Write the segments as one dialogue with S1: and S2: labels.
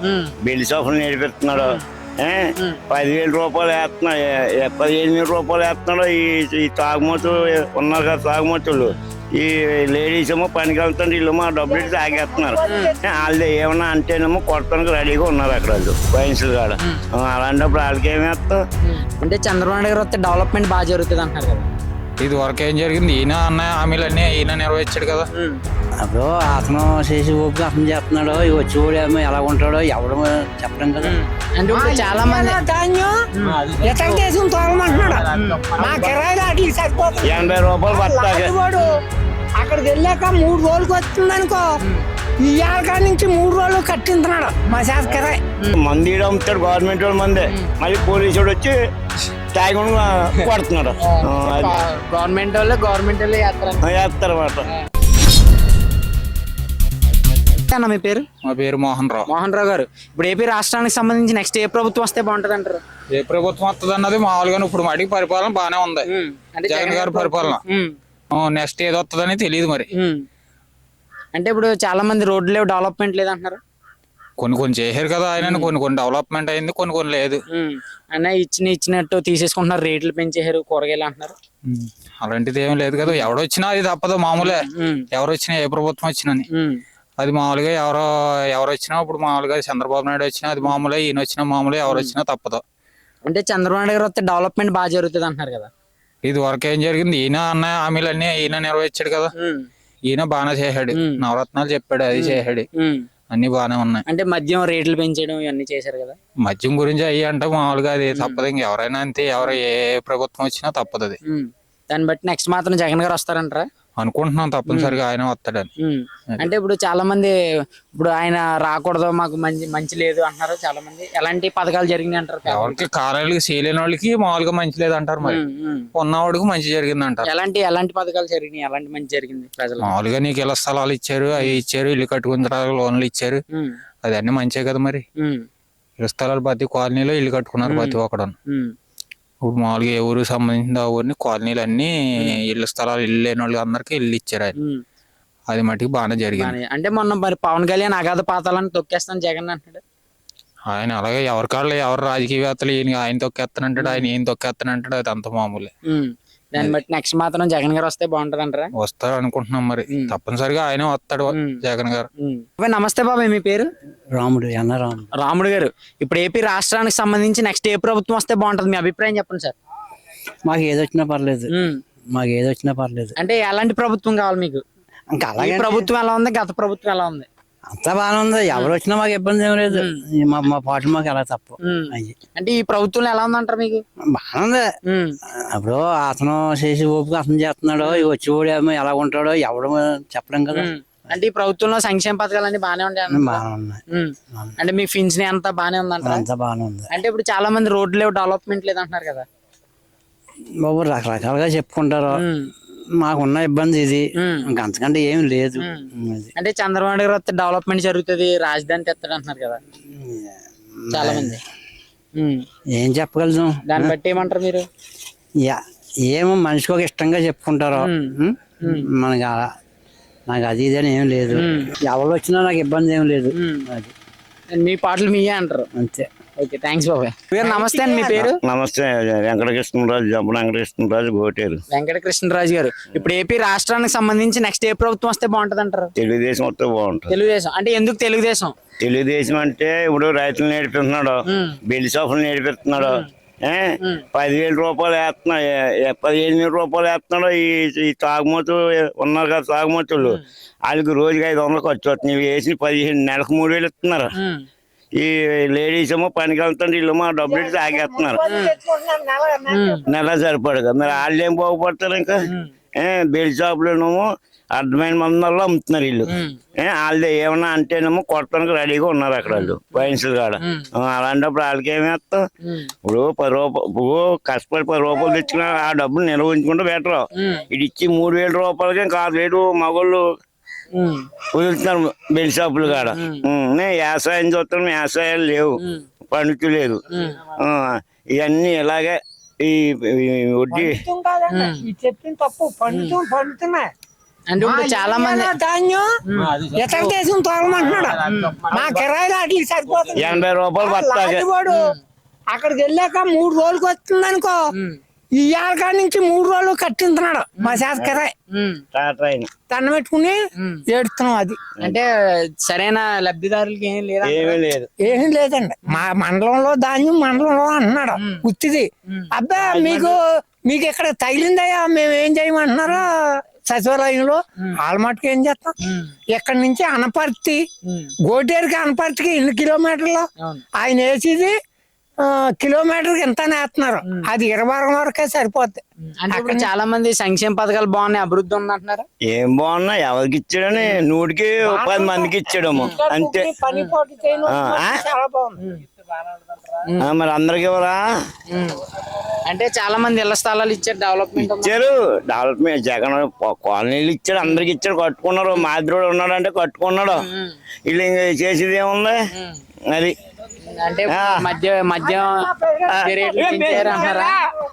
S1: Belly షాపులు నేర్పిస్తున్నాడు. 10,000 రూపాయలు వేస్తున్నాడు, 15,000 రూపాయలు వేస్తున్నాడు. ఈ తాగుమతులు ఉన్నారు కదా, తాగుమతులు ఈ లేడీస్ ఏమో పనికి వెళ్తుంటే వీళ్ళేమో డబ్బులు ఇచ్చి తాగేస్తున్నారు. వాళ్ళు ఏమన్నా అంటేనేమో కొట్టడానికి రెడీగా ఉన్నారు అక్కడ వాళ్ళు వయసులు కాడ. అలాంటప్పుడు వాళ్ళకి ఏమి వేస్తాం
S2: అంటే చంద్రబాబు నాయుడు గారు వస్తే డెవలప్మెంట్ బాగా జరుగుతుంది అంటారు కదా.
S3: ఇది వరకు ఏం జరిగింది? ఈయన అన్న హామీలన్నీ ఈయన నెరవేర్చాడు కదా.
S4: అప్పుడు అతను చేసి ఓపిక అతను చేస్తున్నాడు, వచ్చి కూడా ఏమో ఎలా ఉంటాడో ఎవడు చెప్పడం కదా.
S2: అంటే ఇప్పుడు చాలా మంది
S1: 80 రూపాయలు పడతాయి.
S5: అక్కడికి వెళ్ళాక 3 రోజులకి వస్తుంది అనుకో, ఇవాళ కాడి నుంచి 3 రోజులు కట్టింటున్నాడు మా శాస్త్ర.
S1: మంది అమ్ముతాడు గవర్నమెంట్ వాడు మందే, మళ్ళీ పోలీసు వాడు వచ్చి తాగుని కొడుతున్నాడు.
S2: గవర్నమెంట్ వాళ్ళే
S1: వేస్తారు అన్నమాట.
S2: అన్న మీ పేరు?
S3: మా పేరు మోహన్ రావు
S2: గారు, ఇప్పుడు ఏపీ రాష్ట్రానికి సంబంధించి నెక్స్ట్ ఏ ప్రభుత్వం వస్తే బాగుంటది అంటారు?
S3: ఏ ప్రభుత్వం వస్తుంది అన్నది మామూలుగా ఇప్పుడు మడికి పరిపాలన బాగానే ఉంది, జగన్ గారి పరిపాలన. నెక్స్ట్ ఏది వస్తుందని తెలియదు మరి.
S2: అంటే ఇప్పుడు చాలా మంది రోడ్లు లేవు, డెవలప్మెంట్ లేదు అంటున్నారు.
S3: కొన్ని చేశారు కదా ఆయన, కొన్ని డెవలప్మెంట్ అయింది, కొన్ని లేదు.
S2: అన్న ఇచ్చినట్టు తీసేసుకుంటున్నారు, రేట్లు పెంచేశారు కూరగాయలు అంటున్నారు.
S3: అలాంటిది ఏం లేదు కదా. ఎవడొచ్చినా అది తప్పదు, మామూలే. ఎవరు వచ్చినా ఏ ప్రభుత్వం వచ్చినా అది మామూలుగా. ఎవరు వచ్చినా ఇప్పుడు మామూలుగా చంద్రబాబు నాయుడు వచ్చినా అది మామూలే, ఈయన వచ్చినా మామూలే, ఎవరు వచ్చినా తప్పదు.
S2: అంటే చంద్రబాబు నాయుడు గారు వస్తే డెవలప్మెంట్ బాగా జరుగుతుంది అంటున్నారు కదా.
S3: ఇది వరకు ఏం జరిగింది? ఈయన అన్న హామీలన్నీ ఈయన నెరవేర్చాడు కదా. ఈయన బాగానే చేశాడు, నవరత్నాలు చెప్పాడు, అది చేశాడు, అన్ని బాగానే ఉన్నాయి.
S2: అంటే మద్యం రేట్లు పెంచడం ఇవన్నీ చేశారు కదా.
S3: మద్యం గురించి అయ్యి అంటే మామూలుగా అది తప్పదు. ఇంకెవరైనా అంతే, ఎవరు ఏ ప్రభుత్వం వచ్చినా తప్పదు అది.
S2: దాన్ని బట్టి నెక్స్ట్ మాత్రం జగన్ గారు వస్తారంటారా?
S3: అనుకుంటున్నాం తప్పనిసరిగా ఆయన వస్తాడని.
S2: అంటే ఇప్పుడు చాలా మంది ఇప్పుడు ఆయన రాకూడదు, మాకు మంచి లేదు అంటున్నారు చాలా మంది. ఎలాంటి పథకాలు జరిగినాయి అంటారు?
S3: ఎవరికి కారణాలకి చేయలేని వాళ్ళకి మామూలుగా మంచి లేదు అంటారు, మరి ఉన్నవాడికి మంచి జరిగింది అంటారు.
S2: ఎలాంటి పథకాలు జరిగినాయి, ఎలాంటి మంచి జరిగింది ప్రజలు?
S3: మామూలుగా నీకు ఇళ్ల స్థలాలు ఇచ్చారు, అవి ఇచ్చారు, ఇల్లు కట్టుకున్న లోన్లు ఇచ్చారు, అది అన్ని మంచిగా కదా. మరి ఇళ్ల స్థలాలు ప్రతి కాలనీలో ఇల్లు కట్టుకున్నారు ప్రతి ఒక్కడు. ఇప్పుడు మామూలుగా ఏ ఊరికి సంబంధించిన ఊరిని కాలనీలు అన్ని ఇళ్ల స్థలాలు, ఇల్లు లేని వాళ్ళకి అందరికి ఇల్లు ఇచ్చారు ఆయన. అది మటుకు బాగానే జరిగింది.
S2: అంటే మొన్న మరి పవన్ కళ్యాణ్ అగాధ పాతాలని తొక్కేస్తాను జగన్ అంటాడు
S3: ఆయన. అలాగే ఎవరి కాళ్ళు ఎవరు రాజకీయవేత్తలు ఆయన తొక్కేస్తానంటాడు, ఆయన ఏం తొక్కేస్తానంటాడు, అది అంత మామూలే.
S2: దాన్ని బట్టి నెక్స్ట్ మాత్రం జగన్ గారు వస్తే బాగుంటది అంటారా?
S3: వస్తారు అనుకుంటున్నాం మరి, తప్పనిసరిగా ఆయన వస్తాడు జగన్ గారు.
S2: నమస్తే బాబాయ్, మీ పేరు? రాముడు గారు, ఇప్పుడు ఏపీ రాష్ట్రానికి సంబంధించి నెక్స్ట్ ఏ ప్రభుత్వం వస్తే బాగుంటది, మీ అభిప్రాయం చెప్పండి సార్.
S4: మాకు ఏదొచ్చినా పర్లేదు.
S2: అంటే ఎలాంటి ప్రభుత్వం కావాలి మీకు?
S4: ఇంకా అలాగే
S2: ప్రభుత్వం ఎలా ఉంది, గత ప్రభుత్వం ఎలా ఉంది?
S4: అంతా బాగానే ఉంది, ఎవరు వచ్చినా మాకు ఇబ్బంది ఏం లేదు. మా పాటలు మాకు ఎలా తప్పు.
S2: అంటే ఈ ప్రభుత్వంలో ఎలా ఉందంటారు మీకు?
S4: బాగానే ఉంది. అప్పుడు అతను చేసి ఓపిక అతను చేస్తున్నాడు, వచ్చి కూడా ఏమో ఎలా ఉంటాడో ఎవడు చెప్పడం కదా.
S2: అంటే ఈ ప్రభుత్వంలో సంక్షేమ పథకాలు అన్ని బాగానే ఉంటాయి.
S4: బాగానే ఉన్నాయి.
S2: అంటే మీ పింఛన్ అంతా బాగానే ఉందంటారు?
S4: అంతా బాగానే ఉంది.
S2: అంటే ఇప్పుడు చాలా మంది రోడ్లు లేవు, డెవలప్మెంట్ లేదు అంటున్నారు కదా.
S4: బాబు రకరకాలుగా చెప్పుకుంటారు, మాకున్న ఇబ్బంది ఇది, ఇంకా అంతకంటే ఏం లేదు.
S2: అంటే చంద్రబాబు నాయుడు గారు వస్తే డెవలప్మెంట్ జరుగుతుంది, రాజధాని తెస్తాడు అంటున్నారు కదా చాలా మంది.
S4: ఏం చెప్పగలుగుతాం?
S2: దాన్ని బట్టి ఏమంటారు మీరు?
S4: ఏమో మనిషికి ఒక ఇష్టంగా చెప్పుకుంటారు. మనకి నాకు అది ఇది అని ఏం లేదు, ఎవరు వచ్చినా నాకు ఇబ్బంది ఏం లేదు. అది
S2: మీ పాటలు మీయే అంటారు
S4: అంతే.
S2: ఓకే, థ్యాంక్స్ బాబాయ్. నమస్తే అండి, మీ పేరు?
S1: నమస్తే, వెంకటకృష్ణరాజు, జంప వెంకటకృష్ణరాజు, గోటేరు.
S2: వెంకటకృష్ణరాజు గారు, ఇప్పుడు ఏపీ రాష్ట్రానికి సంబంధించి నెక్స్ట్ ఏ ప్రభుత్వం వస్తే బాగుంటది అంటారు?
S1: తెలుగుదేశం వస్తే బాగుంటుంది.
S2: తెలుగుదేశం అంటే ఎందుకు తెలుగుదేశం?
S1: తెలుగుదేశం అంటే ఇప్పుడు రైతులు నేర్పిస్తున్నాడు, బెల్లి షాపులు నేర్పిస్తున్నాడు, 10,000 రూపాయలు వేస్తున్నాడు, 15,000 రూపాయలు వేస్తున్నాడు. ఈ తాగుమతులు ఉన్నారు కదా, తాగుమతులు వాళ్ళకి రోజుకి 500 ఖర్చు వస్తుంది. వేసి 15 నెలకు 3,000 ఇస్తున్నారు. ఈ లేడీస్ ఏమో పనికి వెళ్తుంటే వీళ్ళేమో డబ్బులు ఇచ్చి తాగేస్తున్నారు, నెల సరిపడగా. మరి వాళ్ళు ఏం బాగుపడతారు? ఇంకా బెల్లి షాపులోనేమో అర్థమైన మందుల్లో అమ్ముతున్నారు వీళ్ళు. వాళ్ళే ఏమన్నా అంటేనేమో కొట్టడానికి రెడీగా ఉన్నారు అక్కడ వాళ్ళు వయసులు కాడ. అలాంటప్పుడు వాళ్ళకి ఏమి వేస్తాం? ఇప్పుడు 10 రూపాయలు కష్టపడి 10 రూపాయలు తెచ్చుకున్నా ఆ డబ్బులు నిర్వహించుకుంటే బెటర్. ఇది ఇచ్చి 3,000 రూపాయలకి కాదు రేటు మగోళ్ళు వదులుతున్నారు బెల్లి షాపులు కాడ. వ్యవసాయం చూస్తాం, వ్యవసాయాలు లేవు, పండుతు లేదు. ఇవన్నీ ఇలాగే ఈ వడ్డీ
S5: చెప్పిన తప్పు పండుతున్నాయి.
S2: అంటే ఇప్పుడు చాలా మంది
S5: ధాన్యం ఇతర దేశం తోలమంటున్నాడు. మా కిరాయిలు వాటికి సరిపోతుంది.
S1: 80 రూపాయలు బస్తాకి.
S5: లాంటివాడు అక్కడికి వెళ్ళాక 3 రోజులకి వస్తుంది అనుకో, ఈ ఏళ్ళ నుంచి 3 రోజులు కట్టింటున్నాడు మా చేత కిరాయి.
S1: ట్రైన్
S5: దండ పెట్టుకుని ఏడుతున్నాం. అది
S2: అంటే సరైన లబ్ధిదారులకి ఏం లేదా?
S1: ఏమీ లేదు.
S5: ఏమీ లేదండి. మా మండలంలో ధాన్యం మండలంలో అంటున్నాడు ఉత్తిది. అబ్బా మీకు ఇక్కడ తగిలిందయ్యా మేము ఏం చేయమంటున్నారో సచివాలయంలో. వాళ్ళ మటుకు ఏం చేస్తాం, ఇక్కడి నుంచి అనపర్తి గోటేరుకి అనపర్తికి 2 కిలోమీటర్లు ఆయన వేసేది కిలోమీటర్కి ఎంత వేస్తున్నారు. అది 20 వరకే సరిపోద్ది.
S2: అంటే ఇప్పుడు చాలా మంది సంక్షేమ పథకాలు బాగున్నాయి, అభివృద్ధి ఉంది అంటున్నారు.
S1: ఏం బాగున్నా ఎవరికి ఇచ్చాడని 100కి 10 మందికి ఇచ్చాడము అంతే.
S5: పని పోటీ చేయడం చాలా బాగుంది.
S1: మరి అందరికి ఇవ్వరా?
S2: అంటే చాలా మంది ఇళ్ల స్థలాలు ఇచ్చారు, డెవలప్మెంట్
S1: ఇచ్చారు. డెవలప్మెంట్ జగన్ కాలనీలు ఇచ్చాడు, అందరికి ఇచ్చాడు, కట్టుకున్నారు. మాదిరోడు ఉన్నాడు అంటే కట్టుకున్నాడు. వీళ్ళు ఇంకా చేసేది ఏముంది అది.
S2: అంటే మద్యం రేట్లు పెంచారు అంటారా?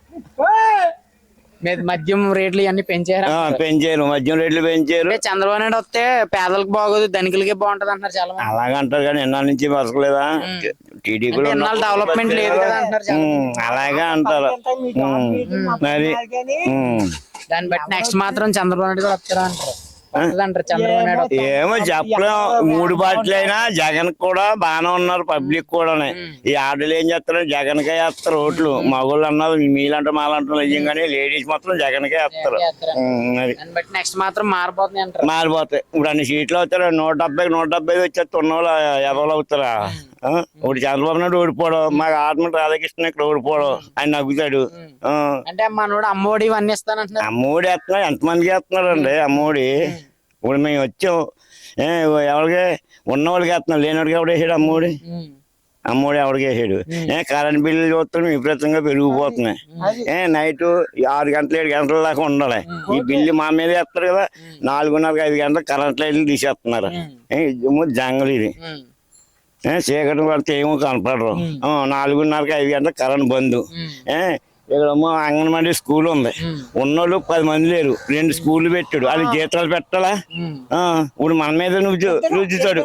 S2: మద్యం రేట్లు ఇవన్నీ పెంచారు.
S1: పెంచారు, మద్యం రేట్లు పెంచారు.
S2: అంటే చంద్రబాబు నాయుడు వస్తే పేదలకు బాగోదు, ధనికులకే బాగుంటది అంటారు చాలా మంది.
S1: అలాగంటారు కానీ ఎన్నాళ్ళ నుంచి బతకలేదా? టీడీపీలో
S2: డెవలప్మెంట్ లేదు కదా అంటారు.
S1: అలాగే అంటారు. మరి
S2: దాన్ని బట్టి నెక్స్ట్ మాత్రం చంద్రబాబు నాయుడు కూడా వస్తారా అంటారు. చంద్రబాబు నాయుడు
S1: ఏమో చెప్పలేం. 3 పార్టీలు అయినా జగన్ కూడా బాగానే ఉన్నారు, పబ్లిక్ కూడా. ఈ ఆడలు ఏం చేస్తారు, జగన్ కే వేస్తారు ఓట్లు. మగోళ్ళు అన్నారు మీలంటే మాలంటారు నిజంగానే, లేడీస్ మాత్రం జగన్ కే వేస్తారు.
S2: దాన్ని బట్టి నెక్స్ట్ మాత్రం మారిపోతుంది అంటారు.
S1: మారిపోతాయి. ఇప్పుడు అన్ని సీట్లు అవుతారు, 170 వచ్చేస్తే ఉన్నవాళ్ళు ఎవరు అవుతారా? ఇప్పుడు చంద్రబాబు నాయుడు ఓడిపోవడం, మాకు ఆత్మ రాధాకృష్ణ ఇక్కడ ఓడిపోవడం, ఆయన నగ్గుతాడు.
S2: అంటే మనోడు అమ్మఒడి ఇవన్నీ ఇస్తానంటున్నారు.
S1: అమ్మఒడి వేస్తున్నారు, ఎంతమందికి వేస్తున్నారు అండి అమ్మఒడి? ఇప్పుడు మేము వచ్చాం, ఎవరికి ఉన్నవాళ్ళకి వేస్తున్నాం, లేనివాడికి ఎవడు వేసాడు అమ్మఒడి? అమ్మఒడి ఎవడికి వేసాడు? కరెంట్ బిల్లు చూస్తున్నాం విపరీతంగా పెరిగిపోతున్నాయి. నైట్ 6 గంటలు 7 గంటల దాకా ఉండాలి. ఈ బిల్లు మా మీద వేస్తారు కదా, 4:30 5 గంటలకు కరెంట్ లైట్లు తీసేస్తున్నారు. జంగలు ఇది చీకటి పడితే ఏమో కనపడరు. 4:30 5 గంటలకు కరెంట్ బంద్. ఇక్కడ అంగన్వాడీ స్కూల్ ఉంది, ఉన్నోళ్ళు 10 మంది లేరు, 2 స్కూళ్ళు పెట్టాడు. అది జీతాలు పెట్టాలా? ఇప్పుడు మన మీద రుచుతాడు.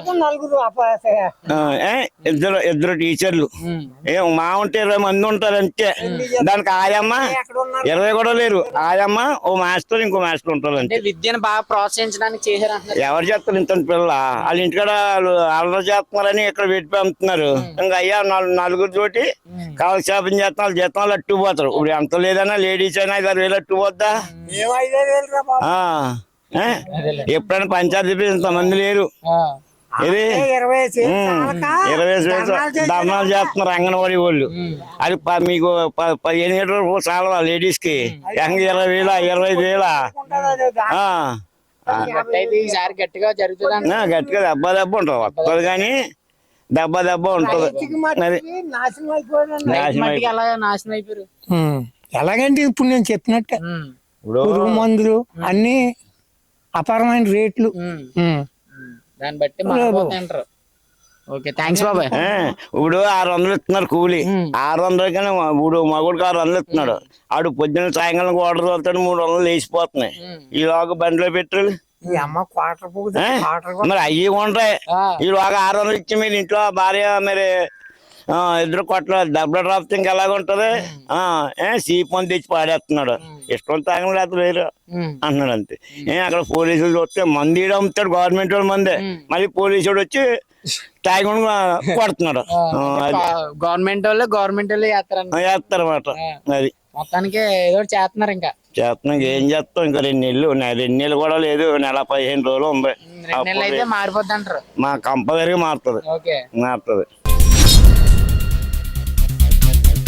S1: ఇద్దరు టీచర్లు మా ఉంటే 20 మంది ఉంటారు అంతే. దానికి ఆయమ్మ 20 కూడా లేరు. ఆయమ్మ ఓ మాస్టర్ ఇంకో మాస్టర్ ఉంటారు అంతే.
S2: విద్యను బాగా ప్రోత్సహించడానికి చేశారు.
S1: ఎవరు చేస్తారు ఇంత పిల్ల? వాళ్ళ ఇంటికాడ అల్లరి చేస్తున్నారని ఇక్కడ పెట్టి పంపుతున్నారు. ఇంకా అయ్యా 4 తోటి కాలక్షేపం చేస్తున్నారు, జీతాలు అట్టుకుపోతారు. ఇప్పుడు ఎంత లేదన్నా లేడీస్ అయినా 5,000 అట్టుకుపోద్దా? ఎప్పుడైనా పంచాయతీ ఇంతమంది లేరు. ఇది 20 ధర్నాలు చేస్తున్నారు అంగన్వాడీ వాళ్ళు. అది మీకు 15 రూపాయలు చాలా లేడీస్ కి, 20,000 25,000.
S2: గట్టిగా జరుగుతుంది,
S1: గట్టిగా దెబ్బ ఉంటుంది. వస్తుంది కానీ దెబ్బ ఉంటుంది.
S2: నాశనం అయిపోయారు.
S5: ఎలాగంటే ఇప్పుడు నేను చెప్పినట్టే పురుగు మందులు అన్ని అపారమైన రేట్లు.
S2: దాన్ని బట్టి మారిపోతాయంటారు. ఓకే, థ్యాంక్స్ బాబాయ్.
S1: ఇప్పుడు 600 ఇస్తున్నారు కూలి. 600 కానీ ఇప్పుడు మగుడికి 600 ఇస్తున్నాడు. ఆడు పొద్దున్న సాయంకాలం ఆర్డర్ చదువుతాడు, 300 లేచిపోతున్నాయి. ఈలోగా బండిలో పెట్రోల్ మరి అయ్యి ఉంటాయి. ఈలోగా 600 ఇచ్చి మీరు ఇంట్లో భార్య మరి ఇద్దరు కొట్ల దెబ్బ డ్రాప్ ఇంకా ఎలాగుంటది? సీప్ మంది తెచ్చి పాడేస్తున్నాడు. ఇష్టం తాగడం లేకపోతే వేరు అంటున్నాడు అంతే. అక్కడ పోలీసులు చూస్తే మంది అమ్ముతాడు, గవర్నమెంట్ వాడు మందే. మళ్ళీ పోలీసు వచ్చి తాగకుండా కొడుతున్నాడు.
S2: గవర్నమెంట్ వాళ్ళు
S1: చేస్తారు అన్నమాట. అది
S2: మొత్తానికి ఏదో చేస్తున్నారు. ఇంకా
S1: చేస్తున్నాం, ఏం చేస్తాం? ఇంకా 2 నెలలు కూడా లేదు, నెల 15 రోజులు ఉంది.
S2: మారిపోద్ది అంటారు.
S1: మా కంపల్సరీగా మారుతుంది.